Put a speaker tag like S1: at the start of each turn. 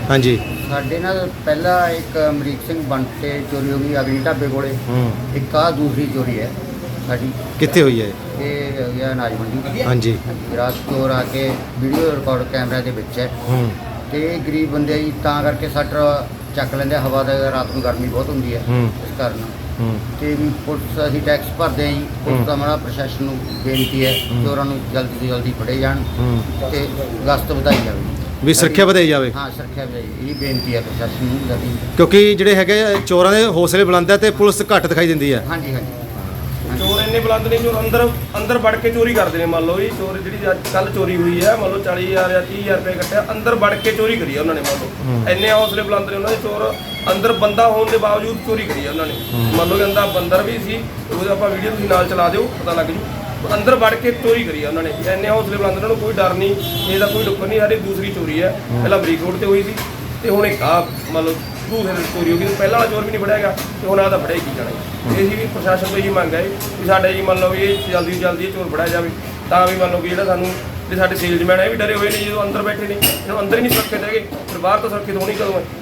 S1: हाँ जी।
S2: ਸਾਡੇ ਨਾਲ ਪਹਿਲਾ ਇੱਕ ਅਮਰੀਕ ਸਿੰਘ ਬੰਟ ਤੇ ਚੋਰੀ ਹੋ ਗਈ ਅਗਨੀ ਢਾਬੇ ਕੋਲੇ। ਇੱਕ ਆ ਦੂਸਰੀ ਚੋਰੀ ਹੈ ਸਾਡੀ।
S1: कितने हुई है?
S2: ਇਹ ਹੋ ਗਿਆ ਅਨਾਜ ਮੰਡੀ।
S1: हाँ जी।
S2: ਰਾਤ ਚੋਰ ਆ ਕੇ ਵੀਡੀਓ ਰਿਕਾਰਡ ਕੈਮਰਾ ਦੇ ਵਿੱਚ ਹੈ ਤੇ ਇਹ ਗਰੀਬ ਬੰਦੇ ਜੀ ਤਾਂ ਕਰਕੇ ਸ਼ਟਰ ਚੱਕ ਲੈਂਦੇ। ਹਵਾ ਦਾ ਰਾਤ ਨੂੰ ਗਰਮੀ ਬਹੁਤ ਹੁੰਦੀ ਹੈ ਇਸ ਕਾਰਨ ਤੇ ਵੀ ਪੁਲਿਸ ਅਸੀਂ ਟੈਕਸ ਭਰਦੇ ਹਾਂ ਜੀ। ਪੁਲਿਸ ਦਾ ਮਾੜਾ ਪ੍ਰਸ਼ਾਸਨ ਨੂੰ ਬੇਨਤੀ ਹੈ ਚੋਰਾਂ ਨੂੰ ਜਲਦੀ ਤੋਂ ਜਲਦੀ ਫੜੇ ਜਾਣ ਤੇ ਗਸ਼ਤ ਵਧਾਈ ਜਾਵੇ।
S1: ਵੀ ਸੁਰੱਖਿਆ ਵਧਾਈ ਜਾਵੇ।
S2: ਹਾਂ ਸੁਰੱਖਿਆ ਵਧਾਈ ਇਹ ਬੇਨਤੀ ਹੈ ਪ੍ਰਸ਼ਾਸਨ ਨੂੰ ਜਲਦੀ।
S1: ਕਿਉਂਕਿ ਜਿਹੜੇ ਹੈਗੇ ਚੋਰਾਂ ਦੇ ਹੌਸਲੇ ਬੁਲੰਦ ਹੈ ਤੇ ਪੁਲਿਸ ਘੱਟ ਦਿਖਾਈ ਦਿੰਦੀ ਹੈ।
S2: ਹਾਂਜੀ ਹਾਂਜੀ
S3: ਚੋਰ ਇੰਨੇ ਬੁਲੰਦ ਨੇ, ਚੋਰ ਅੰਦਰ ਵੜ ਕੇ ਚੋਰੀ ਕਰਦੇ ਨੇ। ਮੰਨ ਲਓ ਜੀ ਚੋਰ ਜਿਹੜੀ ਅੱਜ ਕੱਲ ਚੋਰੀ ਹੋਈ ਹੈ, ਮੰਨ ਲਓ 40,000 ਜਾਂ 30,000 ਰੁਪਏ ਕੱਟਿਆ, ਅੰਦਰ ਵੜ ਕੇ ਚੋਰੀ ਕਰੀ ਹੈ ਉਹਨਾਂ ਨੇ। ਮੰਨ ਲਓ ਇੰਨੇ ਹੌਸਲੇ ਬੁਲੰਦ ਨੇ ਉਹਨਾਂ ਦੇ। ਚੋਰ ਅੰਦਰ ਬੰਦਾ ਹੋਣ ਦੇ ਬਾਵਜੂਦ ਚੋਰੀ ਕਰੀ ਹੈ ਉਹਨਾਂ ਨੇ। ਮੰਨ ਲਓ ਕਹਿੰਦਾ ਬੰਦਰ ਵੀ ਸੀ, ਉਹਦੇ ਆਪਾਂ ਵੀਡੀਓ ਤੁਸੀਂ ਨਾਲ ਚਲਾ ਦਿਓ ਪਤਾ ਲੱਗ ਜੂ। ਅੰਦਰ ਵੜ ਕੇ ਚੋਰੀ ਕਰੀ ਹੈ ਉਹਨਾਂ ਨੇ। ਇੰਨੇ ਹੌਸਲੇ ਬੁਲੰਦ, ਉਹਨਾਂ ਨੂੰ ਕੋਈ ਡਰ ਨਹੀਂ, ਇਹਦਾ ਕੋਈ ਡੁੱਕਰ ਨਹੀਂ। ਸਾਡੀ ਦੂਸਰੀ ਚੋਰੀ ਹੈ, ਪਹਿਲਾਂ ਅਮਰੀਕ ਰੋਡ ਤੇ ਹੋਈ ਸੀ ਤੇ ਹੁਣ ਇੱਕ ਆ ਮੰਨ ਲਓ ਦੂਸਰੇ ਚੋਰੀ ਹੋ ਗਈ। ਪਹਿਲਾਂ ਵਾਲਾ ਚੋਰ ਵੀ ਨਹੀਂ ਫੜਿਆ ਗਿਆ ਤੇ ਹੁਣ ਆਦਾ ਫੜਿਆ ਕੀ ਜਾਣਾ। ਇਹ ਸੀ ਵੀ ਪ੍ਰਸ਼ਾਸਨ ਤੋਂ ਇਹੀ ਮੰਗ ਹੈ ਵੀ ਸਾਡੇ ਜੀ ਮੰਨ ਲਓ ਵੀ ਇਹ ਜਲਦੀ ਤੋਂ ਜਲਦੀ ਇਹ ਚੋਰ ਫੜਿਆ ਜਾਵੇ, ਤਾਂ ਵੀ ਮੰਨ ਲਓ ਕਿ ਜਿਹੜਾ ਸਾਨੂੰ ਤੇ ਸਾਡੇ ਸੇਲਜ਼ਮੈਨ ਇਹ ਵੀ ਡਰੇ ਹੋਏ ਨੇ ਜਦੋਂ ਅੰਦਰ ਬੈਠੇ ਨੇ, ਇਹਨੂੰ ਅੰਦਰ ਹੀ ਨਹੀਂ ਸੁਰੱਖਿਅਤ ਹੈਗੇ, ਫਿਰ ਬਾਹਰ ਤੋਂ ਸੁਰੱਖਿਅਤ ਹੋਣੀ ਕਦੋਂ ਹੈ।